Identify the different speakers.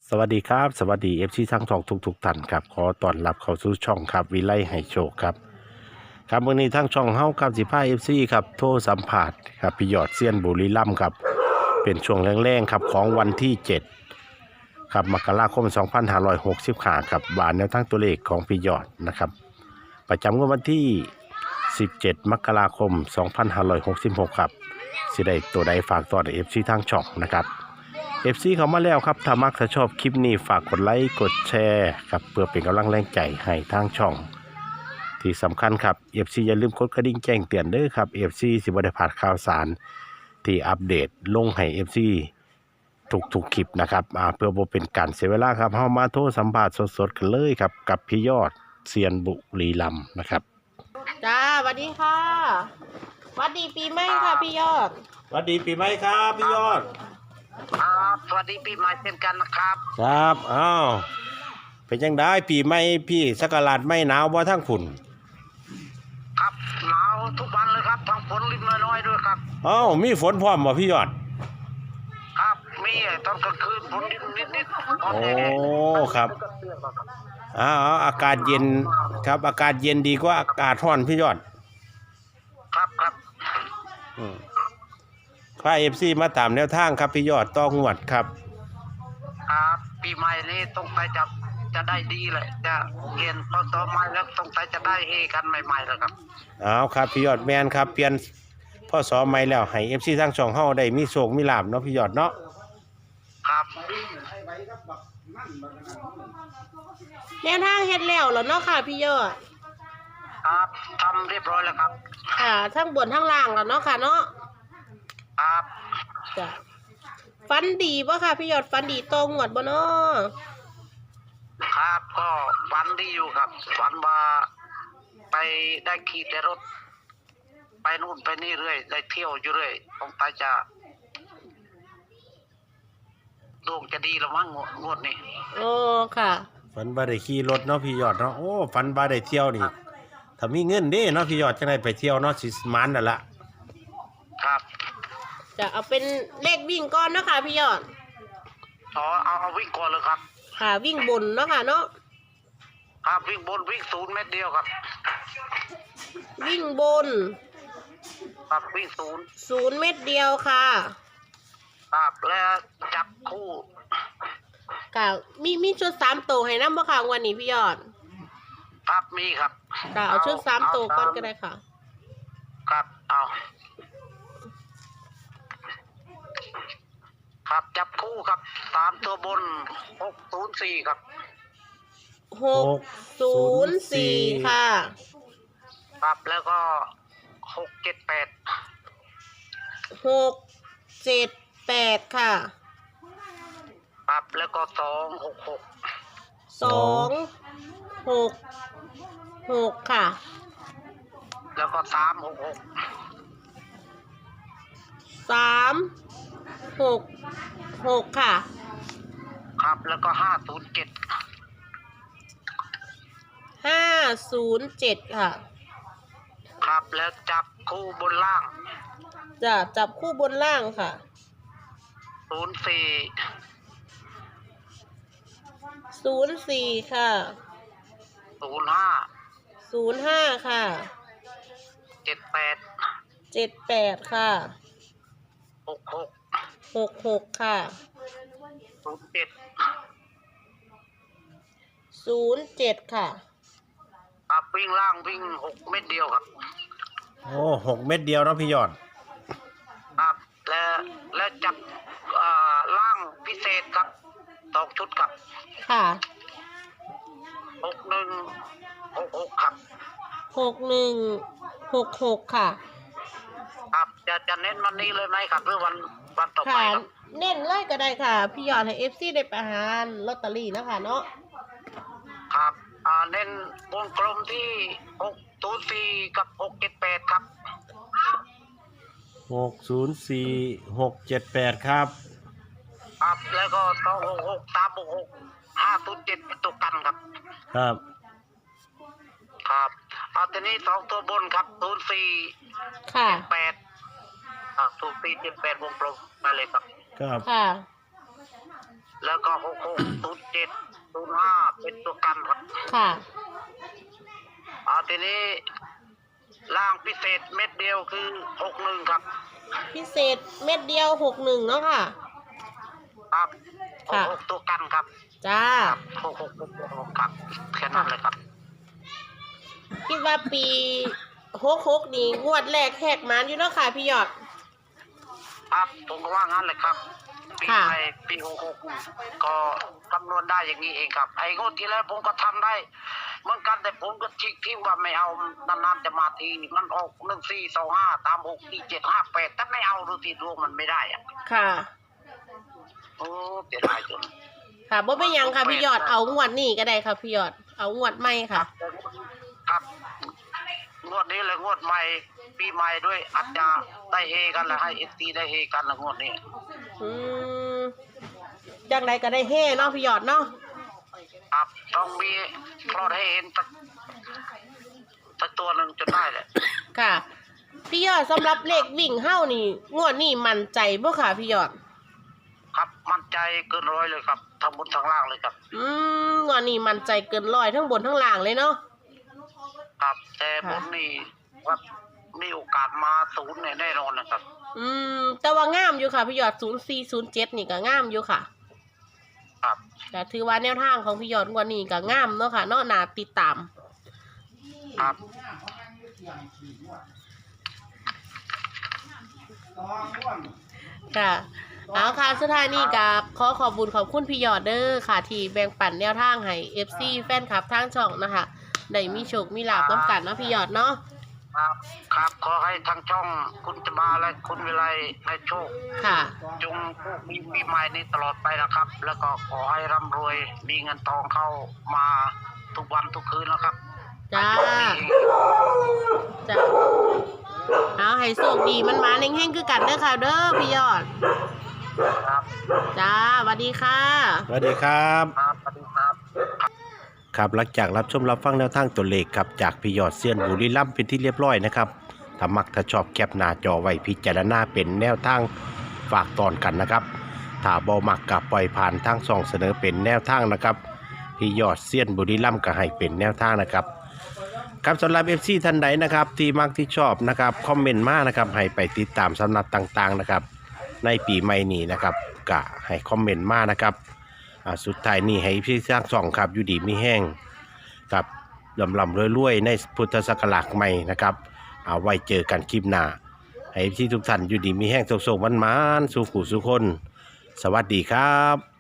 Speaker 1: สวัสดีครับสวัสดีทั้งสองทุกท่านครับขอต้อนรับเข้าสู่ช่องครับวิไลให้โชคครับครับวันนี้ทั้งช่องเฮากับ15 FCครับโทรสัมผัสครับพี่ยอดเซียนบุรีรัมย์ครับเป็นช่วงแรงๆครับของวันที่7ครับมกราคม2565ครับบานแนวทั้งตัวเลขของพี่ยอดนะครับประจำวันที่17มกราคม2566ครับสิได้ตัวใดฝากต่อFCทางช่องนะครับFC เขามาแล้วครับถ้ามักถ้าชอบคลิปนี้ฝากกดไลค์กดแชร์ครับเพื่อเป็นกำลังแรงใจให้ทางช่องที่สำคัญครับ FC อย่าลืมกดกระดิ่งแจ้งเตือนเด้อครับ FC สิบ่ได้พลาดข่าวสารที่อัปเดตลงให้ FC ทุกคลิปนะครับเพื่อบ่เป็นการเสียเวลาครับเฮามาโทรสัมภาษณ์สดๆกันเลยครับกับพี่ยอดเซียนบุรีรัมย์นะครับ
Speaker 2: จ้าสวัสดีค่ะสวัสดีปีใหม่ค่ะพี่ยอด
Speaker 1: สวัสดีปีใหม่ครับพี่ยอด
Speaker 3: ครับสวัสดีปีใหม่เช่นกันนะครับ
Speaker 1: ครับอ้าวเป็นจังได้ปีใหม่พี่สักราชไม่หนาวบ่ทั้งฝุ่น
Speaker 3: ครับหนาวทุกวันเลยครับทั้งฝนลิบน้อยๆด้วยครับ
Speaker 1: อ้าวมีฝนพร้อมบ่พี่ยอด
Speaker 3: ครับมีตอนกลางคืนฝนนิด
Speaker 1: โอ้ครับอากาศเย็นครับอากาศเย็นดีกว่าอากาศร้อนพี่ยอด
Speaker 3: ครับ
Speaker 1: พา FC มาตามแนวทางครับพี่ยอดต้องงวดครับ
Speaker 3: ครับปีใหม่นี้ต้องไปจะได้ดีเลยจะเปลี่ยนต่อใหม่แล้วต้องไปจะได้เฮกันใหม่ๆแล้วครับ
Speaker 1: เอาครับพี่ยอดแมนครับเปลี่ยนพ่อสอใหม่แล้วให้ FC ทั้งช่องเฮาได้มีโชคมีลาภเนาะพี่ยอดเนาะ
Speaker 3: ครับ
Speaker 2: แนวทางเฮ็ดแล้วเหรอเนาะค่ะพี่ยอด
Speaker 3: ครับทำเรียบร้อยแล้วครับ
Speaker 2: ค่ะทั้งบนทั้งล่างแล้วเนาะค่ะเนาะ
Speaker 3: ครับ
Speaker 2: จ้ะฟันดีป่ะค่ะพี่ยอดฟันดีตรงหมดบ่เนาะ
Speaker 3: ครับก็ฝันดีอยู่ครับฝันว่าไปได้ขี่แต่รถไปนู่นไปนี่เรื่อยได้เที่ยวอยู่เรื่อยต้องไปจะดวงจะดีแล้วมั้งงวดนี้
Speaker 2: โอ้ค่ะ
Speaker 1: ฝันบ่ได้ขี่รถเนาะพี่ยอดเนาะโอ้ฝันบ่ได้เที่ยวนี่ถ้ามีเงินเด้เนาะพี่ยอดจังได๋ไปเที่ยวเนาะสิมันนั่นล่ะ
Speaker 3: ครับ
Speaker 2: จะเอาเป็นเลขวิ่งก่อนเนาะค่ะพี่ยอด
Speaker 3: เอาวิ่งก่อนเลยครับ
Speaker 2: ค่ะวิ่งบนเนาะค่ะเนาะ
Speaker 3: ครับวิ่งบนวิ่ง0 เมตรเดียวครับ
Speaker 2: วิ่งบน
Speaker 3: ครับวิ่ง
Speaker 2: 0 เมตรเดียวค่ะ
Speaker 3: ครับแล้วจับคู่
Speaker 2: ค่ะมีชุด3ตัวให้นำบ่ค่ะวันนี้พี่ยอด
Speaker 3: ครับมีครับ
Speaker 2: ค่ะเอาชุด3ตัวก่อนก็ได้ค่ะ
Speaker 3: ครับเอาครับจับคู่ครับ3ตัวบน604ครับ
Speaker 2: 604ค่ะ
Speaker 3: ครับแล้วก็678
Speaker 2: 678ค่ะ
Speaker 3: ครับแล้วก็
Speaker 2: 266ค่ะ
Speaker 3: แล้วก็366
Speaker 2: 366ค่ะ
Speaker 3: ครับแล้วก็507
Speaker 2: ค่ะ
Speaker 3: ครับแล้วจับคู่บนล่าง
Speaker 2: จะจับคู่บนล่างค่ะ04ค่ะ05ค่ะ78ค่ะ66ค่ะ07ค่ะ
Speaker 3: ครับวิ่งล่างวิ่ง6 เม็ดเดียวครับ
Speaker 1: โอ้6 เม็ดเดียวเนาะพี่ยอด
Speaker 3: ครับแล้วจับล่างพิเศษครับ2 ชุดครับ
Speaker 2: ค่ะ
Speaker 3: 6166ครับ
Speaker 2: 6166ค่ะ
Speaker 3: ครับจะเน้นวันนี้เลยไหมครับหรือวันต่อไปครับ
Speaker 2: เน้นเลยก็ได้ค่ะพี่ยอดให้ FC ได้ไปหาลอตเตอรี่นะคะเนาะ
Speaker 3: ครับเน้นวงกลมที่604กับ678ครับ
Speaker 1: 604 678ครับ
Speaker 3: ครับแล้วก็266 366 507เป็นตัวกันครับ
Speaker 1: ครับ
Speaker 3: ทีนี้2ตัวบนครับ04
Speaker 2: ค่ะ
Speaker 3: 7804 78วงกลมมาเลยครับ
Speaker 2: ค่ะ
Speaker 3: แล้วก็660705เป็นตัวกันครับ
Speaker 2: ค่ะ
Speaker 3: ทีนี้ล่างพิเศษเม็ดเดียวคือ61ครับ
Speaker 2: พิเศษเม็ดเดียว61เนาะค่ะ
Speaker 3: ครับ
Speaker 2: ค่ะ
Speaker 3: 66ตัวกันครับ
Speaker 2: จ้า
Speaker 3: 66ตัวครับแค่นั้นเลยครับ
Speaker 2: คิดว่าปี66นี่งวดแรกแหกมันอยู่เนาะค่ะพี่ยอด
Speaker 3: ครับผมก็ว่างั้นเลยครับปี
Speaker 2: ค่ะ
Speaker 3: ใหม่ปี66ก็คำนวณได้อย่างนี้เองครับ ไอ้งวดที่แล้วผมก็ทำได้เหมือนกันแต่ผมก็ทิ้งว่าไม่เอานานๆจะมาทีมันออก1425ตาม64758แต่ไม่เอาดูทีดวงมันไม่ได้อะ
Speaker 2: ค่ะ
Speaker 3: โอ้เสียดายจน
Speaker 2: ค่ะบ่เป็นหยังค่ะพี่ยอดเอางวดนี้ก็ได้ค่ะพี่ยอดเอางวดใหม่ค่ะ
Speaker 3: ครับงวดนี้เลยงวดใหม่ปีใหม่ด้วยอาจจะได้เฮกันแล้วให้เอฟซีได้เฮกันละงวดนี้
Speaker 2: อืมจากไหนก็ได้เฮ่เนาะพี่ยอดเนาะ
Speaker 3: ครับต้องมีพอให้เห็นสักตัวหนึ่งจนได้แหละ
Speaker 2: ค่ะ พี่ยอดสำหรับเลขวิ่งเฮ้านี่งวดนี้มั่นใจบ่ค่ะพี่ยอด
Speaker 3: ครับมั่นใจเกินร้อยเลยครับทั้งบนทั้งล่างเลยครับ
Speaker 2: งวดนี้มั่นใจเกินร้อยทั้งบนทั้งล่างเลยเนาะ
Speaker 3: ครับแต่บนนี่ว่ามีโอกาสมาศูนย์เนี่ยแน่นอนนะครับ
Speaker 2: แต่ว่างามอยู่ค่ะพี่ยอด0407นี่ก็งามอยู่ค่ะ
Speaker 3: ครับ
Speaker 2: แต่ถือว่าแนวทางของพี่ยอดงวดนี้ก็งามเนาะค่ะเนาะน่าติดตาม
Speaker 3: ครับ
Speaker 2: ค่ะเอาค่ะสุดท้ายนี่กับขอขอบคุญขอบคุณพี่ยอดเด้อค่ะที่แบ่งปันแนวทางให้ FC แฟนคลับทางช่องนะคะได้มีโชคมีลาภน้ำกันเนาะพี่ยอดเนาะ
Speaker 3: ครับครับขอให้ทางช่องคุณจะมาและคุณวิไลให้โชค
Speaker 2: ค่ะ
Speaker 3: จงมีปีใหม่นี้ตลอดไปนะครับ แล้วก็ขอให้ร่ำรวยมีเงินทองเข้ามาทุกวันทุกคืนนะครับ
Speaker 2: จ้า
Speaker 3: ให้โชคดี
Speaker 2: จ้าเอาให้โชคดีมันมาเฮงๆคือกันเด้อค่ะเด้อพี่ยอด
Speaker 3: ครับ
Speaker 2: จ้าสวัสดีค่ะ
Speaker 1: สวัสดีครับ
Speaker 3: ครับสวัสดีครับ
Speaker 1: ครับหลังจากรับชมรับฟังแนวทางตัวเลขครับจากพี่ยอดเซียนบุรีรัมย์เป็นที่เรียบร้อยนะครับถ้ามักถ้าชอบแคปหน้าจอไว้พิจารณาเป็นแนวทางฝากตอนกันนะครับถ้าบ่มักกับปล่อยผ่านทางช่องเสนอเป็นแนวทางนะครับพี่ยอดเซียนบุรีรัมย์ก็ให้เป็นแนวทางนะครับครับสำหรับ FC ท่านใดนะครับที่มักที่ชอบนะครับคอมเมนต์มานะครับให้ไปติดตามสำนักต่างๆนะครับในปีใหม่นี้นะครับก็ให้คอมเมนต์มานะครับสุดท้ายนี่ให้พี่สร้างช่องครับอยู่ดีมีแห้งกับลำรวยๆในพุทธศักราชใหม่นะครับเอาไว้เจอกันคลิปหน้าให้พี่ทุกท่านอยู่ดีมีแห้งโศกๆมันๆสู่ขู่สู่คนสวัสดีครับ